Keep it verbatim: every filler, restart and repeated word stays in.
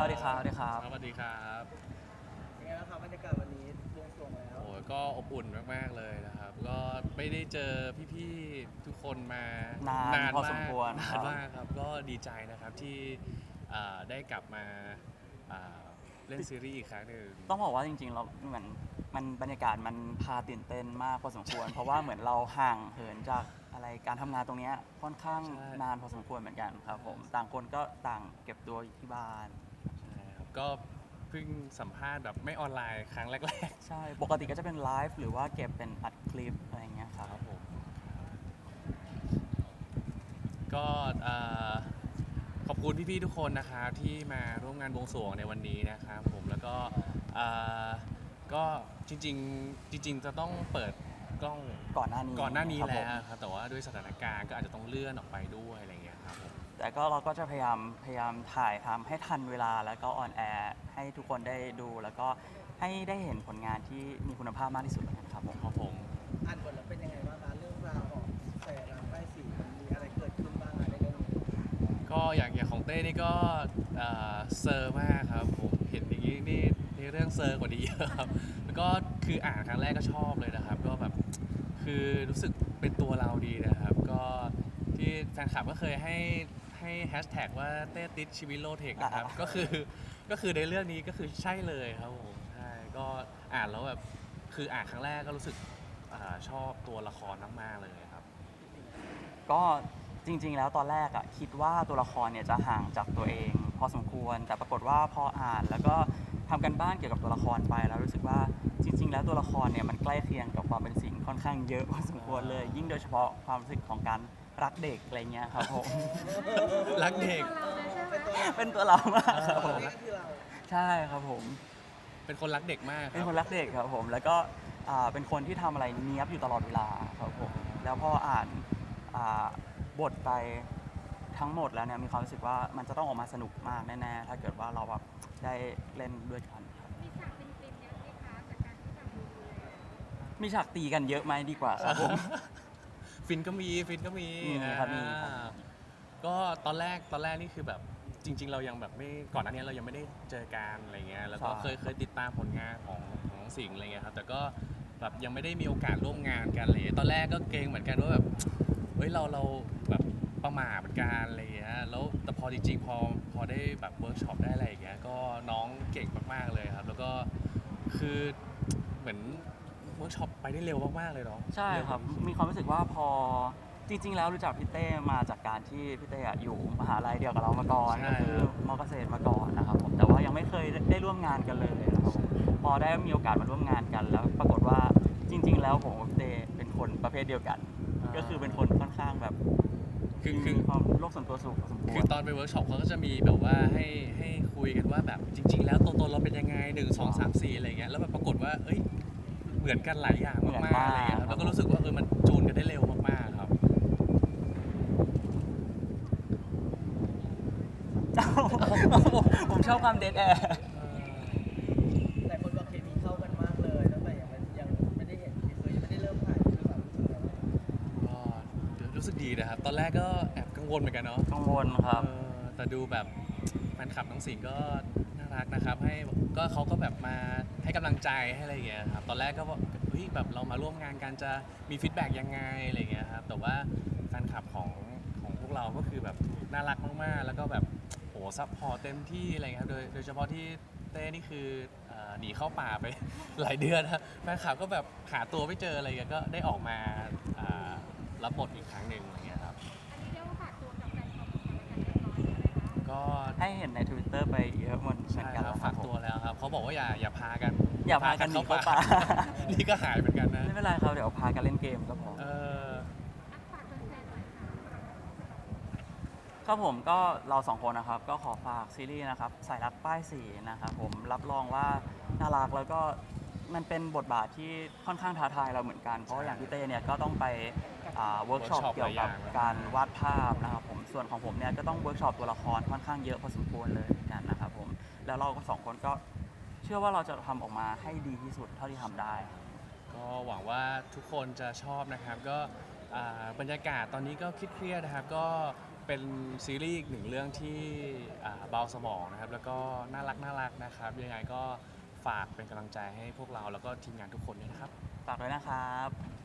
ดีครับสวัสดีครับสวัสดีครับยังไงบ้างครับบรรยากาศวันนี้บวงสรวงแล้วโอ้ยก็อบอุ่นมากๆเลยนะครับก็ไม่ได้เจอพี่ๆทุกคนมานานนานพอสมมากควรคนานรับมากครับก็ดีใจนะครับที่อ่าได้กลับมาอ่าเล่นซีรีส์อีกครั้งหนึ่งต้องบอกว่าจริงๆเราเหมือนมันบรรยากาศมันพาตื่นเต้นมากพอสมควร เพราะว่าเหมือนเราห่างเหินจากอะไรการทำงานตรงเนี้ยค่อนข้างนานพอสมควรเหมือนกันครับผมต่างคนก็ต่างเก็บตัวอยู่ที่บ้านใช่ครับก็เพิ่งสัมภาษณ์แบบไม่ออนไลน์ครั้งแรกใช่ปกติก็จะเป็นไลฟ์หรือว่าเก็บเป็นอัดคลิปอะไรอย่างเงี้ยคๆครับรับผมก็เอ่อขอบคุณพี่ๆทุกคนนะครับที่มาร่วมงานบวงสรวงในวันนี้นะครับผมแล้วก็เอ่อก็จริงๆจริงๆจะต้องเปิดกล้องก่อนหน้านี้ก่อนหน้านี้ครับผแล้มวครับแต่ว่าด้วยสถานการณ์ก็อาจจะต้องเลื่อนออกไปด้วยอะไรเงี้ยครับผมแต่ก็เราก็จะพยายามพยายามถ่ายทำให้ทันเวลาแล้วก็ออนแอร์ให้ทุกคนได้ดูแล้วก็ให้ได้เห็นผลงานที่มีคุณภาพมากที่สุดแล้วกันครับผมครับผมอ่านบทแล้วเป็นยังไงบ้างคะเรื่องราวของแสงรามป้ายสีมันมีอะไรเกิดขึ้นบ้างในเรื่องนี้ก็อย่างอย่างของเต้นี่ก็เอ่อเซอร์มากครับผมเห็นอย่างนี้นี่ในเรื่องเซอร์กว่านี้เยอะครับแล้วก็คืออ่านครั้งแรกก็ชอบเลยนะครับก็แบบคือรู้สึกเป็นตัวเราดีนะครับก็ที่แฟนคลับก็เคยให้ให้แฮชแท็กว่าเต้ติดชีวิตโลเทคนะครับอ่าก็คือก็คือในเรื่องนี้ก็คือใช่เลยครับผมใช่ก็อ่านแล้วแบบคืออ่านครั้งแรกก็รู้สึกอาชอบตัวละครมากๆเลยครับก็จริงๆ แล้วตอนแรกอะคิดว่าตัวละครเนี่ยจะห่างจากตัวเองพอสมควร แต่ปรากฏว่าพออ่านแล้วก็ทำกันบ้านเกี่ยวกับตัวละครไปแล้วรู้สึกว่าจริง ๆ แล้วตัวละครเนี่ยมันใกล้เคียงกับความเป็นสิ่งค่อนข้างเยอะพอสมควรเลย ยิ่งโดยเฉพาะความรู้สึกของการรักเด็กอะไรเงี้ยครับผมรักเด็กเป็นตัวเราเลยใช่ไหมเป็นตัวเรามากครับผมนี่ก็คือเราใช่ครับผมเป็นคนรักเด็กมากคเป็นรับคนรักเด็กครับผมแล้วก็อ่าเป็นคนที่ทำอะไรเนี้ยบอยู่ตลอดเวลาครับผมแล้วพออ่านอ่าบทไปทั้งหมดแล้วเนี่ยมีความรู้สึกว่ามันจะต้องออกมาสนุกมากแน่ๆถ้าเกิดว่าเราแบบได้เล่นด้วยกันครับมีฉากฟินๆเยอะไหมคะจากการที่แบบดูดูแล้วมีฉากตีกันเยอะไหมดีกว่าครับผมฟินก็มีฟินก็มีมีครับมีครับอ่าก็ตอนแรกตอนแรกนี่คือแบบจริง ๆ เรายังแบบไม่ก่อนหน้านี้เรายังไม่ได้เจอกันอะไรเงี้ยแล้วก็เคยเคยติดตามผลงานของของน้องสิงห์อะไรเงี้ยครับแต่ก็แบบยังไม่ได้มีโอกาสร่วมงานกันเลยตอนแรกก็เกรงเหมือนกันว่าแบบเฮ้ยเราเราแบบประหม่าเหมือนกันอะไรเงี้ยแล้วแต่พอจริงๆพอพอได้แบบเวิร์กช็อปได้อะไรอย่างเงี้ยก็น้องเก่งมากๆเลยครับแล้วก็คือเหมือนเวิร์กช็อปไปได้เร็วมากๆเลยเนาะใช่ครับ มีความรู้สึกว่าพอจริง ๆ แล้วรู้จักพี่เต้มาจากการที่พี่เต้อะอยู่มหาลัยเดียวกับเรามาก่อนใช่ก็คือมอเกษตรมาก่อนนะครับผมแต่ว่ายังไม่เคยได้ร่วมงานกันเลยนะครับผมพอได้มีโอกาสมาร่วมงานกันแล้วปรากฏว่าจริง ๆ แล้วผมกับพี่เต้เป็นคนประเภทเดียวกัน ก็คือเป็นคนค่อนข้างแบบคือคือมีความโลกส่วนตัวสูงพอสมควคือรตอนไปเวิร์กช็อปเขาก็จะมีแบบว่าให้ให้คุยกันว่าแบบจริง ๆ แล้วตัวตนเราเป็นยังไงหนึ่งสองสามสี่อะไรเงี้ยแล้วแบบปรากฏว่าเอ้ยเหมือนกันหลายอย่างเหมือนมากๆมากอะไรเงี้ยครับแล้วก็รู้สึกว่าเออมันจูนกันได้เร็วมากๆครับผมชอบความเดทแอร์แต่คนบอกเคมีเข้ากันมากเลยตั้งแต่ยังไม่ยังไม่ได้เห็นทีเซอร์ยังไม่ได้เริ่มถ่ายคือความรู้สึกยังไงก็รู้สึกดีนะครับ ตอนแรกก็แอบกังวลเหมือนกันเนาะกังวลครับเออแต่ดูแบบแฟนคลับน้องสิงห์ก็น่ารักนะครับให้ก็เขาก็แบบมาให้กำลังใจให้อะไรอย่างเงี้ยครับตอนแรกก็ว่าเฮ้ยแบบเรามาร่วมงานกันจะมีฟีดแบ็กยังไงอะไรอย่างเงี้ยครับแต่ว่าแฟนคลับของของพวกเราก็คือแบบน่ารักมากๆ แล้วก็แบบโหซัพพอร์ตเต็มที่อะไรเงี้ยครับโดยโดยเฉพาะที่เต้นี่คือเอ่อหนีเข้าป่าไป หลายเดือนนะแฟนคลับก็แบบหาตัวไม่เจออะไรเงี้ยก็ได้ออกมาอ่ารับบทอีกครั้งหนึ่งอะไรเงี้ยครับอันนี้เรียกว่าฝากตัวกับแฟนคลับของเรากันเรียบร้อยแล้วนะคะก็ให้เห็นใน Twitter ไปเยอะเหมือนใช่กันครัแล้บวคฝารับกผมตัวแล้วครับเขาบอกว่าอย่าอย่าพากันอย่าพากันหนีเข้าป่านี่ก็หายเหมือนกันนะไม่เป็นไรครับเดี๋ยวพากันเล่นเกมก็พอเอออ่ะฝากแฟนๆหน่อยค่ะครับผมก็เราสองคนนะครับก็ขอฝากซีรีส์นะครับสายรักป้ายสีนะครับผมรับรองว่าน่ารักแล้วก็มันเป็นบทบาทที่ค่อนข้างท้าทายเราเหมือนกัน เพราะว่าอย่างพี่เต้เนี่ยก็ต้องไปเวิร์กช็อป workshop เกี่ยวกับหลายอย่างการวาดภาพนะครับผมส่วนของผมเนี่ยก็ต้องเวิร์กช็อปตัวละครค่อนข้างเยอะพอสมควรเลยเหมือนกันนะครับผมแล้วเราก็สองคนก็เชื่อว่าเราจะทำออกมาให้ดีที่สุดเท่าที่ทำได้ก็หวังว่าทุกคนจะชอบนะครับก็อ่าบรรยากาศตอนนี้ก็เครียดๆนะครับก็ไปเป็นซีรีส์อีกหนึ่งเรื่องที่อ่าเบาสมองนะครับแล้วก็น่ารักน่ารักนะครับยังไงก็ฝากเป็นกำลังใจให้พวกเราแล้วก็ทีมงานทุกคนด้วยนะครับฝากด้วยนะครับ